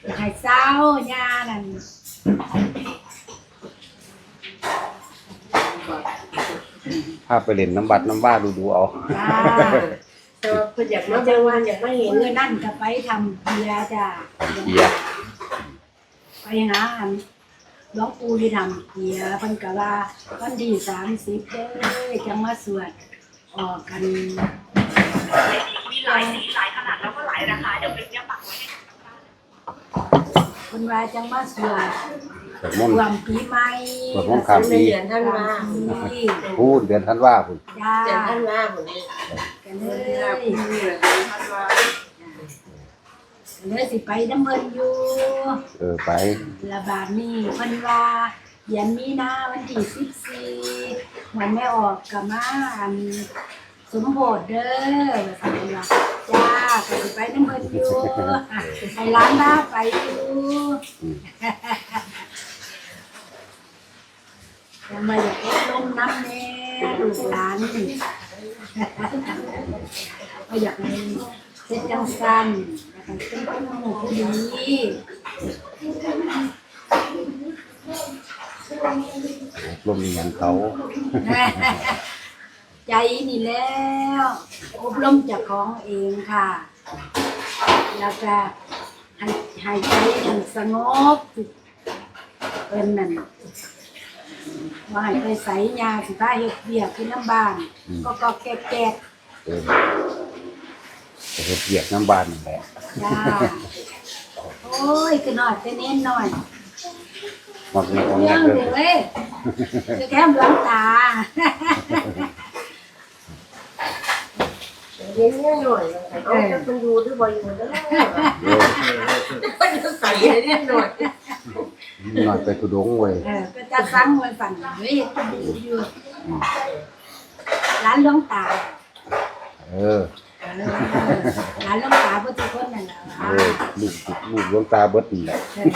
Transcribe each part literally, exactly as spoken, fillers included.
ไข่เศร้าญานั่นพาไปเล่นน้ำบัดน้ำบ้าดูดูเอาจ้าแต่ว่าเพิ่นอยากมาเบิ่งว่าอยากมาเห็นเมื่อนั่นก็ไปทำเบียร์จ้าเกียร์ไปหาอันหลวงปู่ที่ทำเบียร์เพิ่นก็ว่าวันที่สามสิบเด้อจะมาสวดออกกันมีหลายสีหลายขนาดแล้วก็หลายราคาเดี๋ยวเป็นเนี่ยปักไว้ให้เพิ่นว่าจังมาสวดสวดมนต์รวมปีใหม่สวดมนต์ข้ามปีเดือนท่านว่าพูดเดือนธันวาพุ่นจ้าเดือนท่านว่าพุ่นนี่กันเลเดือนยพุ่นนี่เดือนท่านว่าเลยสิไปน้ำเพิ่นอยู่เออไประบาดนี้เพิ่นว่าเดือนมีนาวันที่สิบสี่วันไม่ออกก็มาอันสมโภชเด้อว่าซั่นเพิ่นว่าจ้าก็สิไปน้ำเพิ่นอยู่ให้ร้านพาไปอยู่จะมาอยากเอ็ดลมน้ำแน่ลูกหลานก็อยากให้เสร็จจังสันอยากให้เป็นคนหมู่คนดีลมอย่างเขาใจนี่แล้วอบรมจากของเองค่ะ แล้วก็ให้ให้ใจมันสงบเป็นนั่นว่าให้ไปใส่ยาสิพาเฮ็ดเบียกขึ้นน้ำบ้านก็ก็แก่แก่เออจะเฮ็ดเบียกน้ำบานนั่นแหละจ้าโอ้ยก็น้อยแต่เน้นหน่อยมักมีของเรื่งัองดเด้อเลยจะแก้มหลังตาเรียนเนี่ยหน่อยเอาจะเพิ่นอยู่หรือบ่อยู่เด้อเพิ่นจะใส่ให้เรียนหน่อยหน่อยไปทุดงเว้ยเออก็จะสั่งไว้ฝันเฮ้ยอยู่ร้านหลวงตาเออเออร้านหลวงตาพุทธคนนั่นแหละเออลูกลูกหลวงตาเบิดนี่แหละ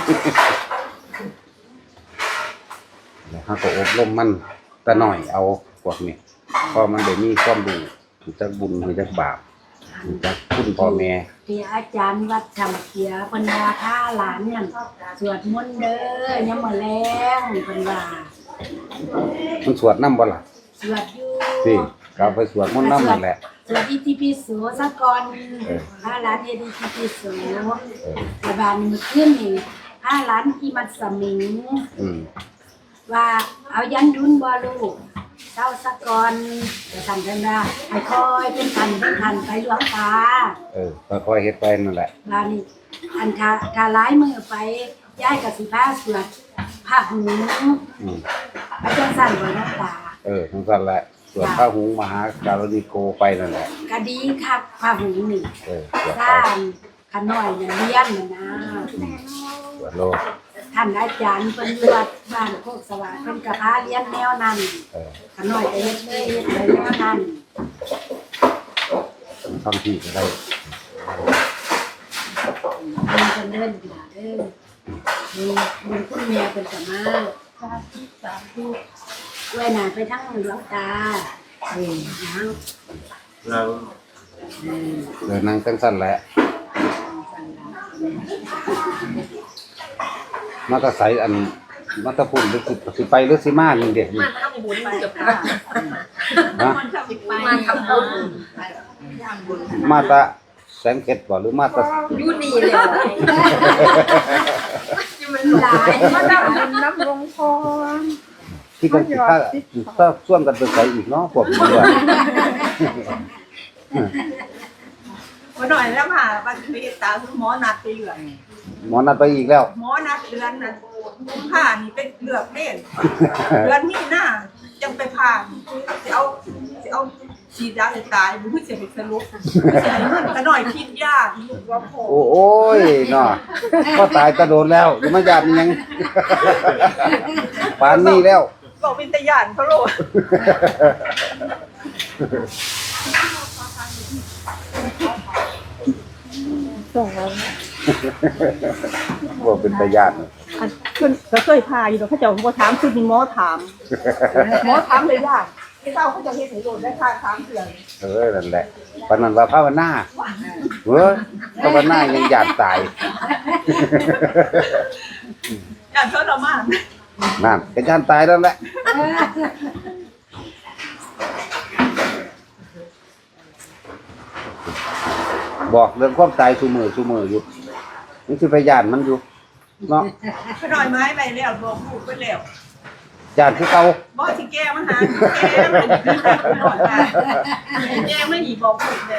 แล้วเฮาก็อบรมมันแต่น้อยเอาพวกนี้เพราะมันได้มีความรู้รู้จักบุญรู้จักบาปรู้จักคุณพ่อแม่ที่อาจารย์วัดทำเกียเพิ่นว่าถ้าหลานนั่นสวดมนต์เด้อยามมื้อแลงเพิ่นว่ามันสวดนำบ่ล่ะสวดอยู่สิก็เอาไปสวดมนต์นำนั่นแหละสวดอิติปิโสซะก่อนเออถ้าหลานเฮ็ดอิติปิโสเออแต่บานนี้มื้อคืนนี่ถ้าหลานอีมัดสมิงอืมว่าเอายันดุนบ่ลูกเจ้าสะกอนจะทำเพิ่นว่าให้คอยเป็นทันเป็นทันไปหลวงตาเออค่อยๆเฮ็ดไปนั่นแหละบานี้อันถ้าถ้าหลายมือไปย้ายกับสิพาสวดผ้าหูอืมไปจังสั่นบ่หลวงตาเออทั้งสั้นแหละส่วนพระหุงมหาการณิโกไปนั่นแหละก็ดีคักผ้าหูนี่เออสวดสไปร้างขน้อยเนี่ยเรียนน่ะนะสวดโลกท่านอาจารย์เพิ่นวัดบ้านโคกสว่างเพิ่นก็พาเรียนแนวนั้นเออขน้อยก็เฮ็ดเลยเฮ็ดเลยแนวนั้นทั้งที่ก็ได้มันจะเดินอยู่เด้อมีมีคุณแม่เป็นสมาสาธุสาธุไว้หน้าไปทั้งหลวงตาเออนะเราเดินนั่งจังสั้นแหละมาตะไสอันมาตะพุ่นหรือสิสิไปหรือสิมานี่เด็ดนี่มาทำบุญกับพระนะมาทำบุญมาตะแสงเกตบ่หรือมาตะอยู่นี่เลยจะมันหลายมาทำบุญน้ำลงพรที่กันสิถ้าถ้าส่วนกันไปไสอีกเนาะพวกนี้ว่ามาหน่อยแล้วค่ะบัตรพีตาคือหมอนัดไปเหลืองหมอนัดไปอีกแล้วหมอนัดเดือนน่ะผ่านี่เป็นเหลือกเล่นเดือนนี้หน้ายังไปผ่านจะเอาจะเอาฉีดยาให้ตายมันเพื่อจะไปสรุปจะให้เงินก็หน่อยคิดยากลูกว่าพอโอ้โอ้ยเนาะก็ตายกระโดดแล้วอย่ามาหยาบมันยังปานนี้แล้วบอกเป็นตะยานเขาโลดส่งแล้วบ่เป็นตาญาติอันเพิ่นก็เคยพาอยู่ดอกเขาเจ้าบ่ถามคือมีหมอถามหมอถามเลยยากเศร้าเขาจะเฮ็ดให้โดนได้ค่าสามเดือนเออนั่นแหละปานนั้นว่าภาวนาเว้ยภาวนายังอยากตายการทรมานนั่นเป็นการตายแล้วแหละบอกเรื่องความตายชูมือชูมืออยู่นี่คือพยานมันอยู่เนาะขน่อยไม้ไปแล้วบอกลูกไปแล้วยานคือเก่าบ่สิแก้มาหาแก้มาแก้ไม่หนีบอกลูกเลย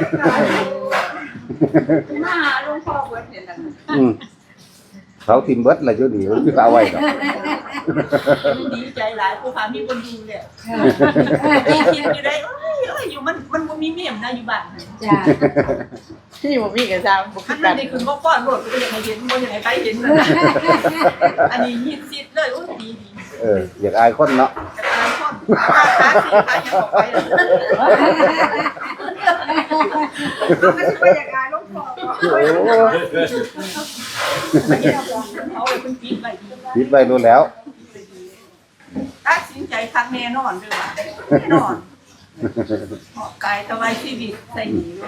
มาหาหลวงพ่อเบิดเนี่ยนะอืมเขาทิมเบิดอะไรอยู่นี่มันคือเอาไว้ดอกดีใจหลายผู้พามีคนดูเลยมีคิดอยู่ได้เอ้ยเอ้ยอยู่มันมันบ่มีเมียมนะอยู่บ้านจ้าที่บ่มีกับซาวบ่อัคืนอนั้กัน นนี่คือบ่ป้อนโลดก็ยังให้เห็นบ่ยังให้ไปเห็นอันนี้ยิดซิดเลยโอ้ยดีดีเอออยากอายคนเนาะแต่ตายคนขาสีขายังออกไปมันสิไปอย่างไรหลวงพ่อโอ้เขาเลยเป็นปิดไปปิดไว้รู้แล้วตัดสินใจครั้งแน่นอนเด้อแน่นอนออกกายถวายชีวิตใส่หนีเลย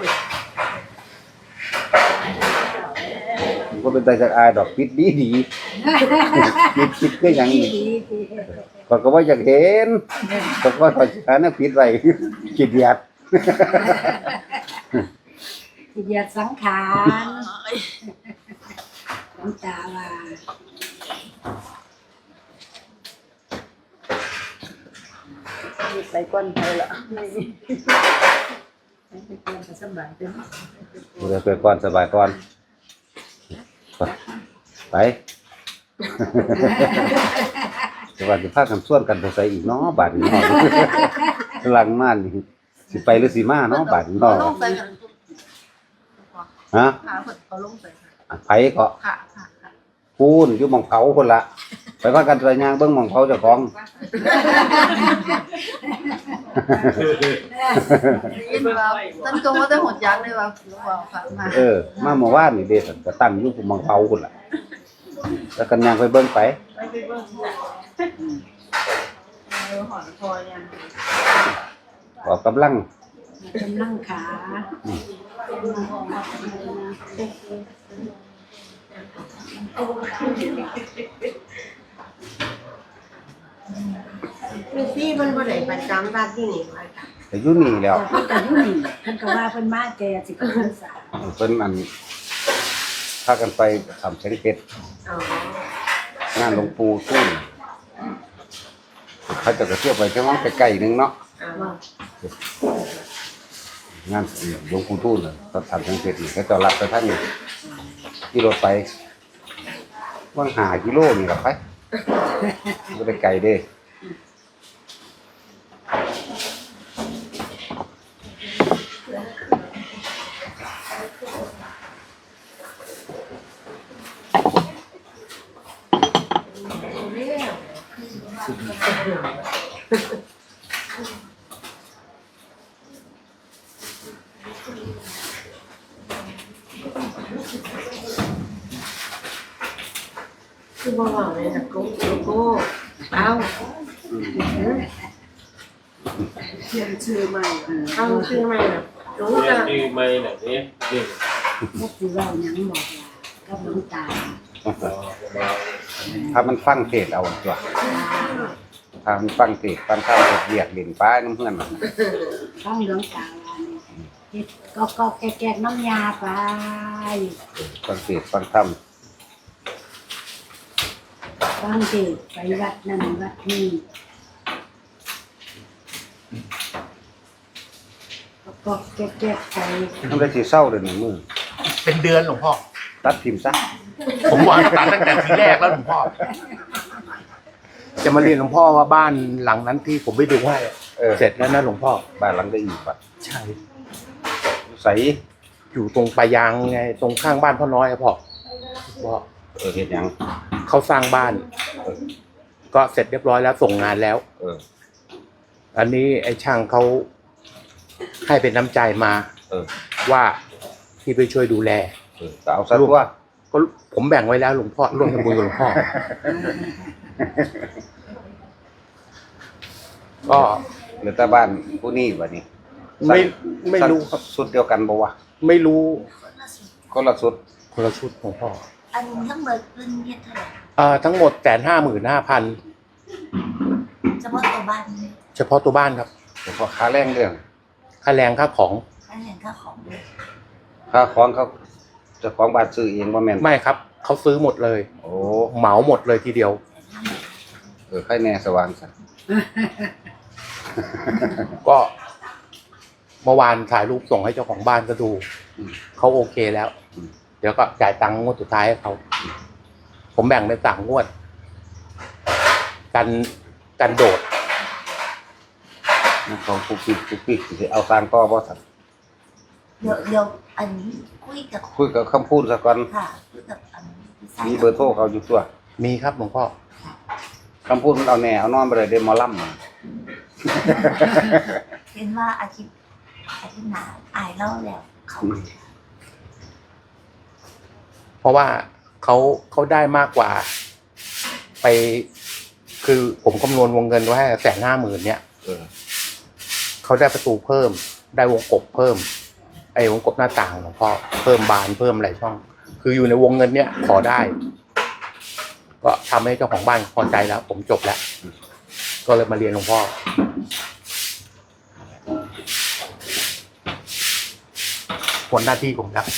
ก็เป็นใจจากอายดอกปิดดีดีปิดปิดก็ยังดีนี่ดีดีก็ก็ว่าอยากเห็นก็ก็ถอยช้านะปิดไว้กินยัดที่เหยียดสังขารน้ำตาว่าไปก่อนไปละไปเตรียมสบายเด้อเดี๋ยวไปก่อนสบายก่อนไปแต่ว่าจะพากันส่วนกันไปใส่อีกเนาะบาดนี้เนาะกำลังมานี่สิไปหรือสิมาเนาะบาดนี้เนาะลงไปกันฮะขาเพิ่นเขาลงไปไผก็ค่ะค่ะค่ะพูนอยู่หม่องเผาคนละไปพากันไปย่างเบิ่งหม่องเผาเจ้าของยินว่าตั้งตรงว่าได้หดยักษ์เลยว่าว่าค่ะมาเออมาเมื่อวานนี่เด้สันก็ตั้งอยู่หม่องเผาคนละแล้วกันย่างไปเบิ่งไปไปไปเบิ่งเออหอนคอยังออกกำลังกำลังขาคือที่มันบ่ได้ประจำบ้านที่นี่ว่าค่ะแต่อยู่นี่แล้วเพิ่นก็อยู่นี่เพิ่นก็ว่าเพิ่นมาแก่สิบพรรษาเพิ่นอันพากันไปทำแสงเพชรอ๋องานหลวงปู่ทุ่นเขาจะกระเที่ยวไปแค่ว่าใกล้ๆนึงเนาะอ๋องานหลวงปู่ทุ่นน่ะเขาทำแสงเพชรนี่เขาจะรับไปทางนี้ขี่รถไปว่างหากิโลนี่ล่ะไปบ่ได้ไกลเด้คือบ่ว่าเลยนะกูกูเอาเขียนชื่อใหม่เออเอาชื่อใหม่น่ะรู้เรียจ้ะนที่ไม่ไหนนี่นี่บ่สิเว้าหยังบอกว่ากับหลวงตาถ้ามันฟังเทศเอาตัวถ้ามันฟังเทศฟังข้าวเรียกเล่นป้าน้ำเพื่อนน่ะฟังหลวงตาว่านี่เฮ็ดก็ก็แกกๆน้ำยาไปฟังเทศฟังธรรมฟังเทศไปวัดนั่นวัดนี้ก็ก็แกกๆไปทำได้สิเศร้าเลยหนึ่งมือเป็นเดือนหลวงพ่อตัดทิมซะผมวางตัดตั้งแต่ทีแรกแล้วหลวงพ่อ จะมาเรียนหลวงพ่อว่าบ้านหลังนั้นที่ผมไปดูให้เออเสร็จแล้วนะหลวงพ่อบ้านหลังได้อีกปัดใช่ใส่อยู่ตรงปลายางไงตรงข้างบ้านพ่อน้อยครับพ่อพ่อเออเฮ็ดหยังเขาสร้างบ้าน ก็เสร็จเรียบร้อยแล้วส่งงานแล้วเอออันนี้ไอ้ช่างเขาให้เป็นน้ำใจมาเออว่าที่ไปช่วยดูแลเออก็เอาซะตัวก็ผมแบ่งไว้แล้วหลวงพ่อร่วมทำบุญกับหลวงพ่อ ก็หรือแต่บ้านผู้นี้บัดนี้ไม่ไม่รู้ครับสุดเดียวกันบ่วะไม่รู้คนละสุดคนละชุดของพ่ออันทั้งหมดเป็นเฮ็ดเท่าไหร่อ่าทั้งหมดแสนห้าหมื่นห้าพันเฉพาะตัวบ้านเฉพาะตัวบ้านครับเฉพาะค่าแรงเรื่องค่าแรงค่าของค่าเห็นค่าของด้วยค่าของเขาเจ้าของบ้านซื้อเองบ่แม่นไม่ครับเขาซื้อหมดเลยโอ้เหมาหมดเลยทีเดียวเออใครแน่สว่างซะก็ เมื่อวานถ่ายรูปส่งให้เจ้าของบ้านก็ดูเขาโอเคแล้ว เดี๋ยวก็จ่ายตังค์งวดสุดท้ายให้เขาผมแบ่งเป็นสามงวด กันกันโดดของปุ๊กปิ๊กปุ๊กปิ๊กสิเอาสร้างต่อบ่ซั่นเดี๋ยวเดี๋ยวอันนี้คุยกับคุยกับคำพูดซะก่อนค่ะคุยกับอันพี่สายมีเบอร์โทรเขาอยู่ตัวมีครับหลวงพ่อคำพูดมันเอาแน่เอานอนบ่ได้เด้หมอลำเห็นว่าอาทิตย์อาทิตย์หน้าอายเล่าแล้วเขาเพราะว่าเขาเขาได้มากกว่า ไป คือผมคำนวณวงเงินไว้ให้แสนห้าหมื่นเนี่ยเออเขาได้ประตูเพิ่ม ได้วงกบเพิ่ม ไอ้วงกบหน้าต่างหลวงพ่อเพิ่มบานเพิ่มอะไรช่อง คืออยู่ในวงเงินเนี้ยขอได้ ก็ทำให้เจ้าของบ้านพอใจแล้ว ผมจบแล้ว ก็เลยมาเรียนหลวงพ่อผลหน้าที่ผมแล้ว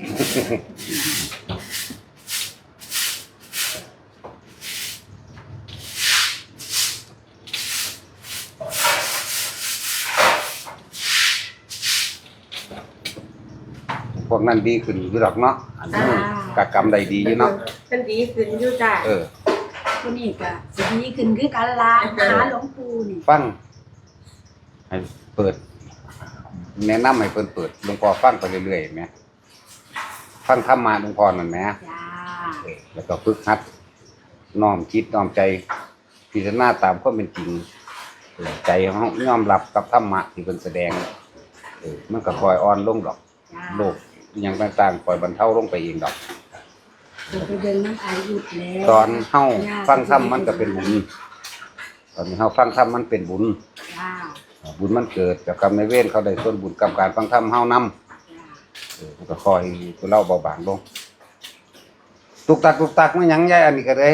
พวกนั้นดีขึ้นอยู่ดอกเนาะอันนี้กะกรรมใดดีอยู่เนาะเป็นดีขึ้นอยู่จ้ะเออคนนี้ก็สิดีขึ้นคือกันละหาหลวงปู่นี่ฟังให้เปิด แนะนำให้เพิ่นเปิดหลวงพ่อฟังไปเรื่อยๆเห็นไหมฟังธรรมะหลวงพ่อนั่นแหมจ้าเออแล้วก็ฝึกหัดน้อมคิดน้อมใจพิจารณาตามความเป็นจริงเออใจของเรายอมรับกับธรรมะที่เพิ่นแสดงเออมันก็ค่อยอ่อนลงดอกจ้าโลกอหย่างต่างๆค่อยบรรเทาลงไปเองดอกเดี๋ยวไปเบิ่งน้ำอายุดแล้วตอนเฮาฟังธรรมมันก็เป็นบุญตอนนี้เฮาฟังธรรมมันเป็นบุญจ้าบุญมันเกิดกับกรรมในายเวรเขาได้ส่วนบุญกรรมการฟังธรรมเฮานำจ้าเออมันก็คอยตัวเล่าเบาบางลงตุกตักตุกตักมันหยังใหญ่อันนี้ก็ได้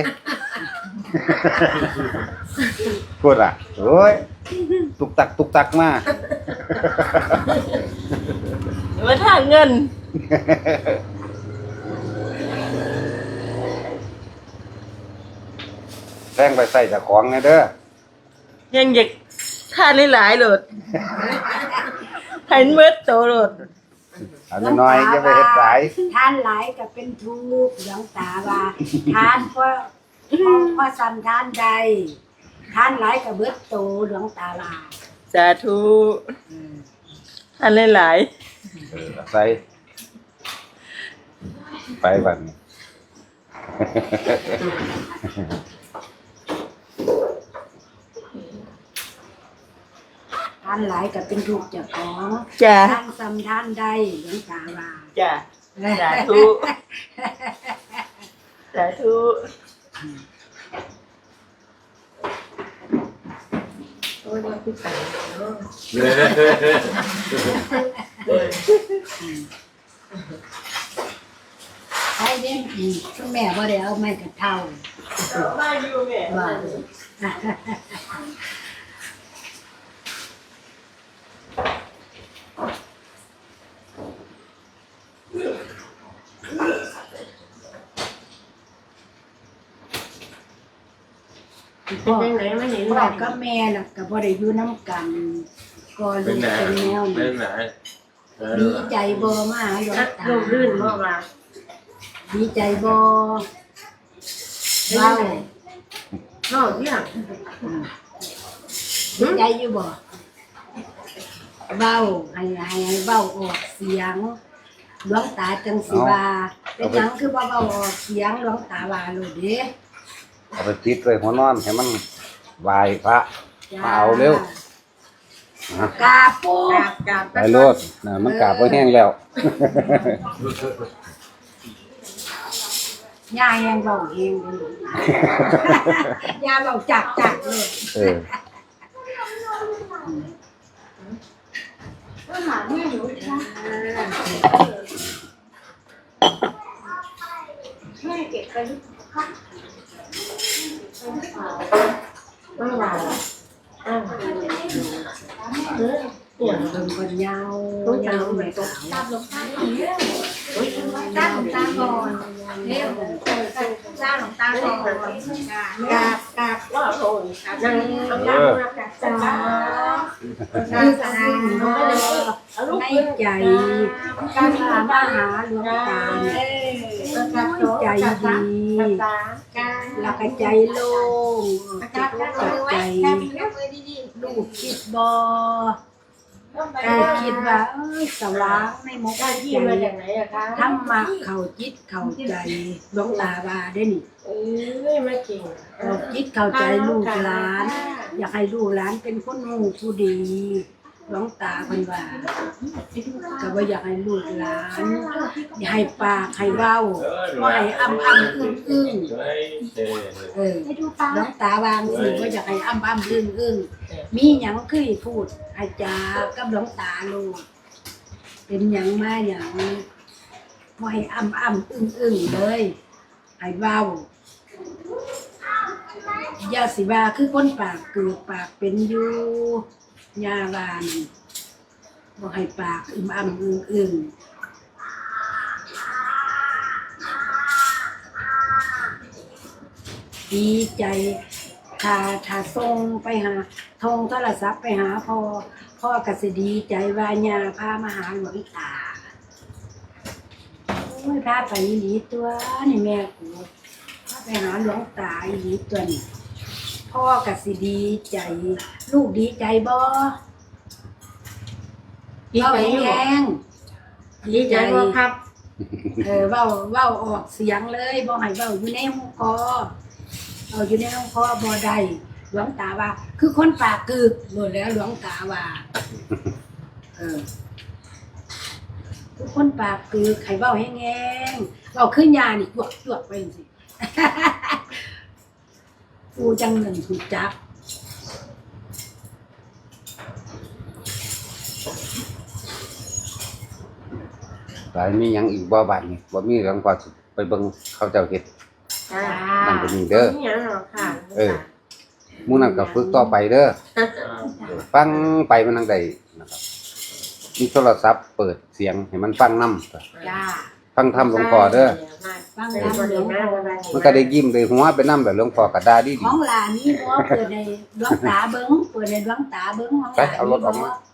พูดอ่ะโอ้ยตุกตักตุกตักมามาทางเงินแรงไปใส่จากของไงเด้อยังอยากทานหลายๆโหลดเห็นเบิดโตโหลดเอาน้อยๆจะไปเฮ็ดสายทานหลายก็เป็นทุกข์หลวงตาว่าทานเพราะเพราะเพราะสันทานใดทานหลายก็เบิดโตหลวงตาว่าสาธุทานหลายเออใส่ไปบัดนี้ทานหลายก็เป็นทุกข์เจ้าของๆจ้าทานสันทานใดหลวงตาว่าจ้าสาธุสาธุใช่เด้อืมคุณแม่บ่ได้เอาไม้กระเท่ามาอยู่แม่ว่าเป็นยังไงไม่เห็นพ่อกับแม่น่ะก็บ่ได้อยู่นำกัน ก็ลูกเป็นแนวนี้ดีใจบ่มาหาหลวงตาลงลื่นบ่ว่าดีใจบ่เว้าเนาะเนี่ยดีใจอยู่บ่เว้าให้ให้ให้เว้าออกเสียงหลวงตาจังสิว่าเป็นหยังคือบ่เว้าออกเสียงหลวงตาว่าโลดเด้เอาไปติดไว้หัวนอนให้มันไหว้พระจ้มาเอาเร็วนะกราบปูกราบกราบไปโลดนะมันกราบบ่แห้งแล้วย่ายังเว้าเองเลย ย่าเว้าจักจักเลยเออก็หาแม่หนูค่ะแม่เก็บไปหรือเปล่าไม่หวานอ้าวเออปวดเบิ่งคนยาวตัวยายาววเหมืแม่อนตัวสาวตามลงตาก่อนเร็วตาหลงตาก่อนเร็วตาหลงตาก่อนกราบกราบว่าโอ้ยนั่งเอากราบกราบจ้าคือสิ่งบ่ในใจการพามาหาหลวงตาเนี่ยใจดีแล้วก็ใจโล่งจิตจับใจลูกคิดบ่ได้คิดว่าเอ้ยสว่างในหมกใจธรรมะเข้าจิตเข้าใจหลวงตาว่าได้นี่เอ้ยไม่เก่งเข้าจิตเข้าใจลูกหลาน อยากให้ลูกหลานเป็นคนหูผู้ดีหลวงตาเพิ่นว่าก็บ่อยากให้ลูกหลานอย่าให้ปากให้เว้าบ่ให้อ้ำอ้ำอึ้งอึ้งเออหลวงตาวางสิบ่อยากให้อ้ำอ้ำอึ้งอึ้งมีหยังคือให้พูดให้จากับหลวงตาลูกเป็นหยังมาหยังบ่ให้อ้ำอ้ำอึ้งอึ้งเลยให้เว้าอย่าสิว่าคือคนปากเกือกปากเป็นอยู่ยาวานบ่ให้ปากอึมอ่ำอึ้งอึ้งดีใจถ้าถ้าส่งไปหาโทรโทรศัพท์ไปหาพ่อพ่อก็สิดีใจว่าญาพามาหาหลวงตาโอ้ยพาไปอีหลีตัวนี่แม่กูพาไปหาหลวงตาอีหลีตัวนี่พ่อก็สิดีใจลูกดีใจบ่ดีใจอยู่แรงดีใจบ่ครับเออเว้าเว้าออกเสียงเลยบ่ให้เว้าอยู่ในหูคอเอาอยู่ในหูคอบ่ได้หลวงตาว่า คือคนปากกึกหมดแล้วหลวงตาว่าเออคือคนปากกึกให้เว้าแห้งๆเว้าขึ้นยานี่จวกจวกไปจังซี่ กูจังหนึ่งถูกจับหลายมีหยังอีกบ่บาดนี่บ่มีหลังกว่าสิไปเบิ่งเขาเจ้าเฮ็ดจ้านั่นก็มีเด้อนี่หรอค่ะเออ หมู่นั้นก็ฝึกต่อไปเด้อเออฟังไปมันทางใดนะครับมีโทรศัพท์เปิดเสียงให้มันฟังนำจ้าฟังธรรมหลวงพ่อเด้อฟังน้ำหลวงพ่อมันก็ได้ยิ้มได้หัวไปนำแบบหลวงพ่อก็ด่าดีของหลานนี่บ่เปิดในดวงตาเบิ้งเปิดในดวงตาเบิ้งของหไปลานเอารถออกนี่มาบ่